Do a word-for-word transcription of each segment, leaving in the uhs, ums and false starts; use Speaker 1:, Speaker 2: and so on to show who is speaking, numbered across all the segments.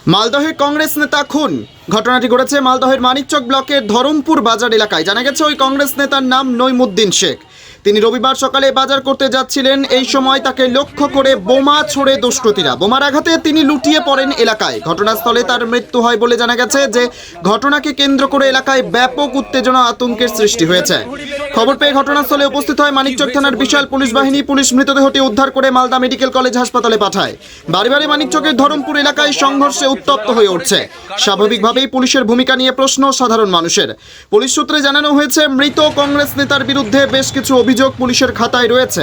Speaker 1: মালদহে কংগ্রেস নেতা খুন। ঘটনাটি ঘটেছে মালদহের মানিকচক ব্লকের ধরমপুর বাজার এলাকায়। জানা গেছে ওই কংগ্রেস নেতার নাম নইমুদ্দিন শেখ। তিনি রবিবার সকালে বাজার করতে যাচ্ছিলেন। এই সময় তাকে লক্ষ্য করে বোমা ছোড়ে দুষ্কৃতীরা। বোমার আঘাতে তিনি লুটিয়ে পড়েন এলাকায়। ঘটনাস্থলে তার মৃত্যু হয় বলে জানা গেছে। যে ঘটনাকে কেন্দ্র করে এলাকায় ব্যাপক উত্তেজনা আতঙ্কের সৃষ্টি হয়েছে। খবর পেয়ে ঘটনাস্থলে উপস্থিত হয় মানিকচক থানার বিশাল পুলিশ বাহিনী। পুলিশ মৃতদেহটি উদ্ধার করে মালদা মেডিকেল কলেজ হাসপাতালে পাঠায়। বাড়ি বাড়ি মানিকচকের ধরমপুর এলাকায় সংঘর্ষে উত্তপ্ত হয়ে উঠছে। স্বাভাবিকভাবেই পুলিশের ভূমিকা নিয়ে প্রশ্ন সাধারণ মানুষের। পুলিশ সূত্রে জানানো হয়েছে, মৃত কংগ্রেস নেতার বিরুদ্ধে বেশ কিছু অভিযোগ পুলিশের খাতায় রয়েছে।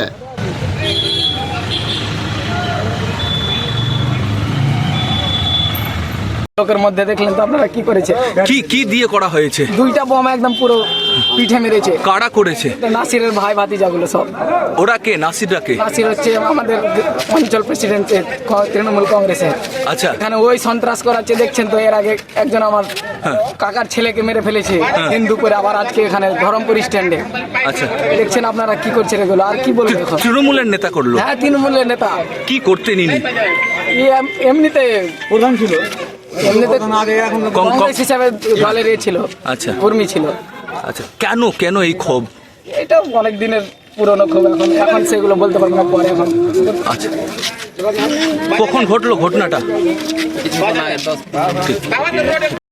Speaker 2: লোকের মধ্যে দেখলেন তো আপনারা কি করেছে,
Speaker 3: কি কি দিয়ে করা হয়েছে?
Speaker 2: দুইটা বোমা একদম পুরো পিঠে মেরেছে।
Speaker 3: কারা করেছে?
Speaker 2: নাসিরের ভাই ভাতিজাগুলো সব।
Speaker 3: ওরা কে? নাসিররা কে?
Speaker 2: নাসির হচ্ছে আমাদের অঞ্চল প্রেসিডেন্ট তৃণমূল কংগ্রেসের।
Speaker 3: আচ্ছা,
Speaker 2: এখানে ওই সন্ত্রাস করাচ্ছে, দেখছেন তো। এর আগে একজন আমার কাকার ছেলেকে মেরে ফেলেছে দিন দুপুরে, আবার আজকে এখানে ধরমপুর স্ট্যান্ডে।
Speaker 3: আচ্ছা,
Speaker 2: দেখছেন আপনারা কি করছেন এগুলো, আর কি বলবো এখন।
Speaker 3: তৃণমূলের নেতা করলো?
Speaker 2: হ্যাঁ, তৃণমূলের নেতা।
Speaker 3: কি করতে নিনি?
Speaker 2: এমনিতে প্রধান ছিল, এমনিতে
Speaker 3: কং-
Speaker 2: কংগ্রেস হিসাবে দলের এ ছিল,
Speaker 3: আচ্ছা
Speaker 2: কর্মী ছিল।
Speaker 3: আচ্ছা, কেন কেন এই ক্ষোভ?
Speaker 2: এটা অনেক দিনের পুরনো ক্ষোভ। এখন এখন সেগুলো বলতে পারবো না, পরে এখন।
Speaker 3: আচ্ছা, কখন ঘটলো ঘটনাটা?
Speaker 2: কিছুক্ষণ আগে দশ